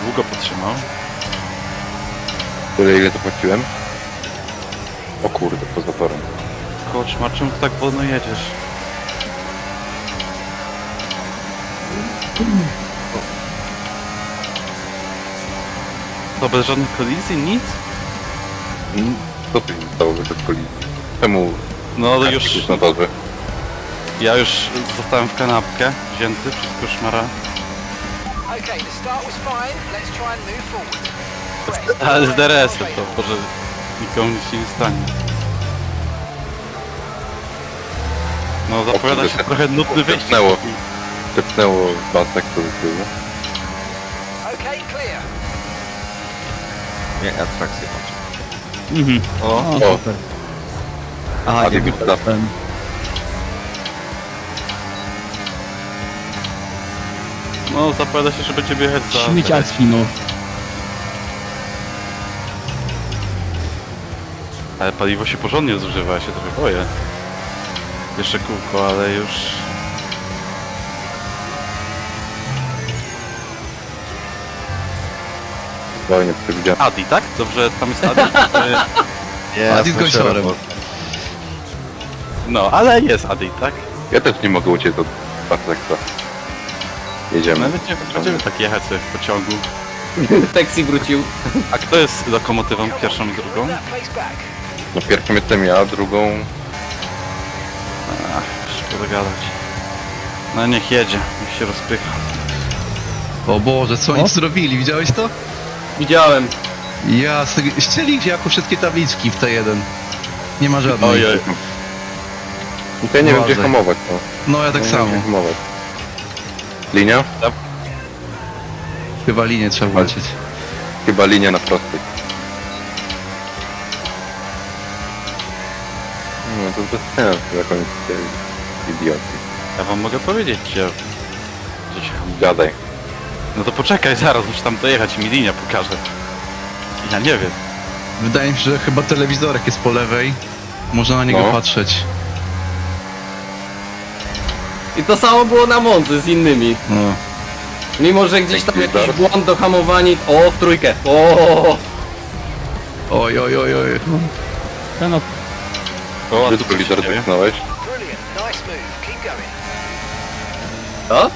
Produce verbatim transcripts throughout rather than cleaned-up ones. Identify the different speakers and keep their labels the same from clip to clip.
Speaker 1: długo potrzymał.
Speaker 2: Tyle ile to płaciłem? O kurde, poza torem.
Speaker 1: Koczmar, czemu ty tak wolno jedziesz? To bez żadnych kolizji? Nic?
Speaker 2: Mm, Co tu się stało bez kolizji? Czemu
Speaker 1: No ale już...
Speaker 2: już na torze?
Speaker 1: Ja już zostałem w kanapkę wzięty przez koszmara.
Speaker 3: Okay, the start was fine. Let's try and move forward.
Speaker 1: Ale z D R S-em to, może nikomu nic się nie stanie. No zapowiada się
Speaker 2: kurde,
Speaker 1: trochę nudny wyścig.
Speaker 2: tepnęło. Tepnęło basek do tyłu.
Speaker 3: Okay, clear.
Speaker 4: Nie, atrakcję mam.
Speaker 5: Mhm.
Speaker 1: O,
Speaker 5: O,
Speaker 2: O.
Speaker 5: super.
Speaker 4: Aha,
Speaker 2: A
Speaker 4: nie
Speaker 2: ty
Speaker 4: wiem.
Speaker 5: Ten.
Speaker 1: no zapowiada się, że będziemy jechać za...
Speaker 5: Śmieciarski, no.
Speaker 1: Ale paliwo się porządnie zużywa, ja się trochę boję. Jeszcze kółko, ale już...
Speaker 2: Zupełnie przewidziałem.
Speaker 1: Adi, tak? Dobrze, tam jest Adi?
Speaker 4: Nie,
Speaker 5: Adi z gąsiorem.
Speaker 1: No, ale jest Adi, tak?
Speaker 2: Ja też nie mogę uciec od basekta.
Speaker 1: No
Speaker 2: Jedziemy.
Speaker 1: będziemy, będziemy tak jechać sobie w pociągu.
Speaker 6: Taxi wrócił.
Speaker 1: A kto jest lokomotywą pierwszą i drugą?
Speaker 3: That place back.
Speaker 2: No pierwszą jestem ja, drugą...
Speaker 1: Ach, szkoda gadać. No niech jedzie, niech się rozpycha.
Speaker 7: O Boże, co oni
Speaker 5: O?
Speaker 7: zrobili, widziałeś to?
Speaker 6: Widziałem.
Speaker 7: Ja, ścieli jako wszystkie tabliczki w T jeden. Nie ma żadnej.
Speaker 1: Ojej.
Speaker 2: Ja nie wiem gdzie
Speaker 7: Uważaj.
Speaker 2: hamować, no.
Speaker 7: No ja tak
Speaker 2: Nie wiem,
Speaker 7: samo.
Speaker 2: gdzie hamować. Linia?
Speaker 7: Chyba linię trzeba włączyć.
Speaker 2: Chyba linia na prostej. No to bez sensu, jak oni chcieli. Idioci.
Speaker 1: Ja wam mogę powiedzieć, gdzie... gdzie się hamuje.
Speaker 2: Gadaj.
Speaker 1: No to poczekaj, zaraz muszę tam dojechać i mi linia pokaże. Ja nie wiem.
Speaker 7: Wydaje mi się, że chyba telewizorek jest po lewej. Można na niego
Speaker 2: No.
Speaker 7: patrzeć.
Speaker 6: I to samo było na Monzy z innymi.
Speaker 7: No.
Speaker 6: Mimo, że gdzieś tam
Speaker 2: Dzięki
Speaker 6: jakiś
Speaker 2: bardzo.
Speaker 6: błąd do hamowania. O, w trójkę. O,
Speaker 7: Oj, oj, oj, oj.
Speaker 5: Ten op...
Speaker 1: O, a tu
Speaker 2: Wszystko
Speaker 1: coś
Speaker 2: lider
Speaker 1: się dzieje.
Speaker 2: dotknąłeś?
Speaker 3: Brilliant. Nice move. Keep going.
Speaker 6: co?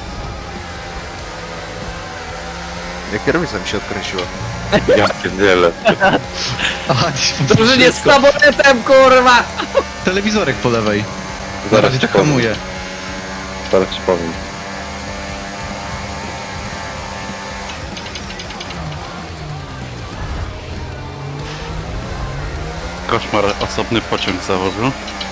Speaker 4: Jak kierownica mi się odkręciła.
Speaker 2: Ja pierdzielę.
Speaker 7: Aha,
Speaker 6: Drużynie z taboretem, kurwa!
Speaker 7: telewizorek po lewej. Na
Speaker 2: Zaraz
Speaker 7: razie
Speaker 2: ci
Speaker 7: tak
Speaker 2: powiem.
Speaker 7: hamuje.
Speaker 2: Zaraz ci powiem.
Speaker 1: Koszmar osobny pociąg założył.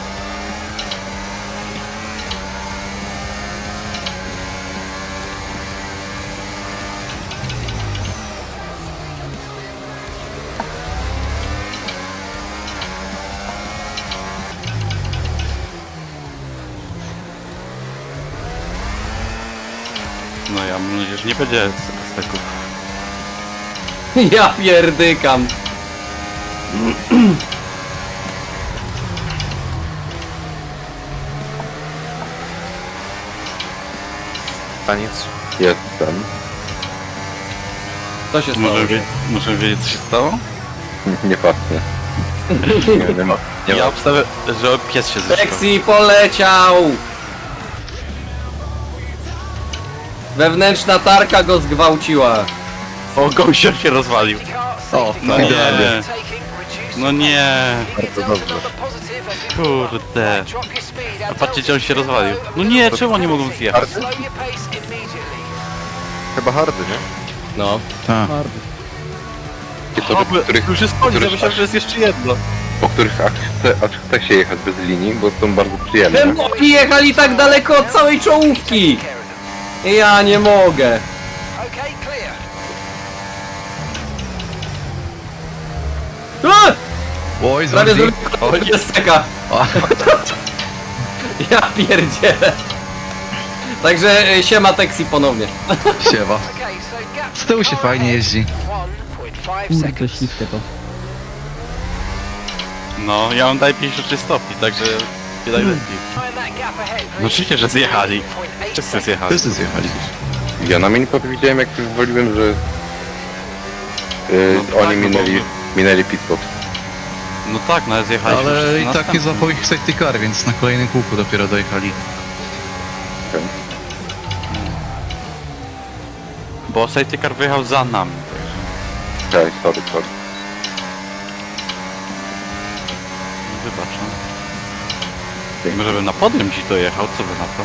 Speaker 1: No ja mam nadzieję, że nie będzie z tego.
Speaker 6: Ja pierdykam.
Speaker 4: Taniec.
Speaker 2: Jestem.
Speaker 6: Co się stało?
Speaker 1: Możemy, wie, możemy wiedzieć, co się stało?
Speaker 2: Nie pachnie. Nie, nie ma. Nie
Speaker 1: Ja
Speaker 2: ma.
Speaker 1: obstawię, że pies się zeszł.
Speaker 6: Taxi poleciał! Wewnętrzna tarka go zgwałciła.
Speaker 1: O, gościor się rozwalił.
Speaker 3: O,
Speaker 1: no nie.
Speaker 3: Taking,
Speaker 1: No nie.
Speaker 4: Bardzo dobrze.
Speaker 1: Kurde. A patrzcie, gdzie on się rozwalił. No nie, czemu oni mogą zjechać?
Speaker 4: Chyba hardy, nie?
Speaker 6: No.
Speaker 7: Tak.
Speaker 5: Hardy.
Speaker 2: Ci to,
Speaker 1: O,
Speaker 2: po których,
Speaker 1: już jest koniec, ja
Speaker 2: których,
Speaker 1: myślałem, że jest jeszcze jedno.
Speaker 2: po których aż chce, aż chce się jechać bez linii, bo są bardzo przyjemne.
Speaker 6: Czemu oni jechali tak daleko od całej czołówki? Ja nie mogę.
Speaker 3: Okay, clear.
Speaker 6: A!
Speaker 7: Oj,
Speaker 6: Prawie
Speaker 7: zrobił.
Speaker 6: zrobiłem deseka. Ja pierdzielę. Także e, siema taxi ponownie.
Speaker 7: Siewa.
Speaker 3: Okay, so gap
Speaker 7: Z tyłu się fajnie jeździ.
Speaker 3: one point five
Speaker 5: Kurde,
Speaker 3: seconds.
Speaker 5: śliskie to.
Speaker 1: No, ja mam daję pięćdziesiąt trzy stopni, także nie daj lepiej.
Speaker 3: Find that gap ahead,
Speaker 1: No oczywiście, że zjechali.
Speaker 3: point eight
Speaker 1: Wszyscy
Speaker 3: seconds.
Speaker 1: zjechali.
Speaker 7: Wszyscy zjechali.
Speaker 2: Ja na mini widziałem jak już woliłem, że Yy,
Speaker 1: No tak,
Speaker 2: oni
Speaker 1: no bo-
Speaker 2: minęli, minęli pit stop.
Speaker 1: No tak, no ale zjechaliśmy
Speaker 7: Ale
Speaker 1: wszyscy
Speaker 7: i
Speaker 1: na
Speaker 7: tak nie
Speaker 1: następnym.
Speaker 7: złapał ich safety car, więc na kolejnym kółku dopiero dojechali.
Speaker 1: Bo safety car wyjechał za nami, także
Speaker 2: Tak, sorry, sorry.
Speaker 1: wybaczam. Może bym na podium ci dojechał, co by na to?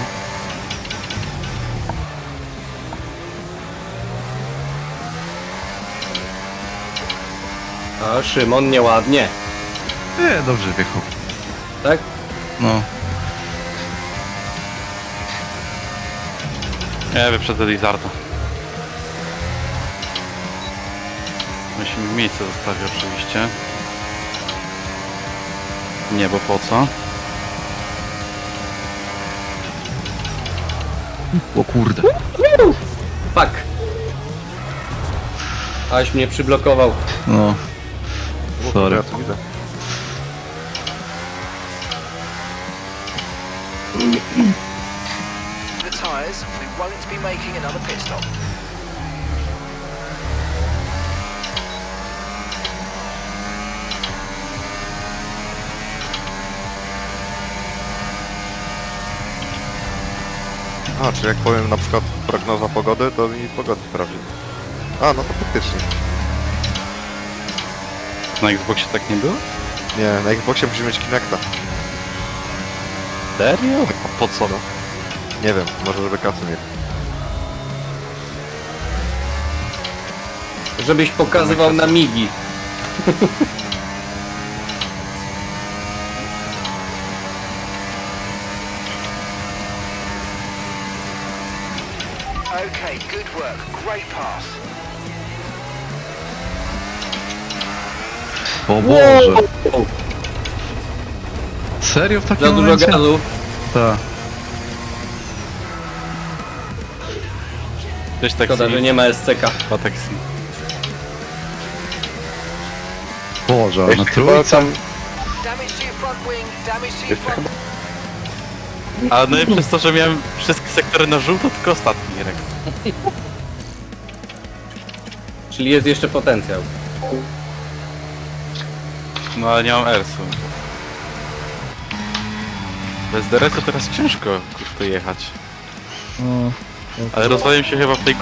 Speaker 6: A Szymon nieładnie,
Speaker 7: Nie, dobrze wjechał.
Speaker 6: tak?
Speaker 7: No.
Speaker 1: Nie, wyprzedzę Lizarda. Musimy miejsce zostawić oczywiście. Nie, bo po co?
Speaker 7: O kurde.
Speaker 6: Fuck. Aś mnie przyblokował.
Speaker 7: No.
Speaker 4: O,
Speaker 7: Sorry.
Speaker 4: Ja to widzę.
Speaker 3: The tyres, we won't be making another pit stop.
Speaker 4: A, czy jak powiem na przykład prognoza pogody, to mi pogody sprawdzi. A, no to faktycznie.
Speaker 1: Na Xboxie tak nie było?
Speaker 4: Nie, na Xboxie musimy mieć Kinecta.
Speaker 1: Serio? A po co?
Speaker 4: Nie wiem, może żeby kasy mieć.
Speaker 6: Żebyś pokazywał na migi.
Speaker 3: Okay, good work. Great pass.
Speaker 7: O Boże. Serio w takim
Speaker 6: Za dużo
Speaker 7: momencie?
Speaker 6: gazu.
Speaker 7: Tak.
Speaker 1: Też tak
Speaker 6: Szkoda, że nie ma S C K.
Speaker 1: Chyba tak si.
Speaker 7: Boże, ale na
Speaker 2: Jeszcze chyba
Speaker 7: trójce.
Speaker 2: tam,
Speaker 3: Damage to your front wing, damage to your
Speaker 2: jeszcze
Speaker 3: front
Speaker 2: chyba,
Speaker 1: A no i przez to, że miałem wszystkie sektory na żółto, tylko ostatni Irek.
Speaker 6: Czyli jest jeszcze potencjał.
Speaker 1: No ale nie mam Ersu. Bez D R S-u teraz ciężko kurde jechać.
Speaker 5: O,
Speaker 1: Ale rozwaliłem się chyba w tej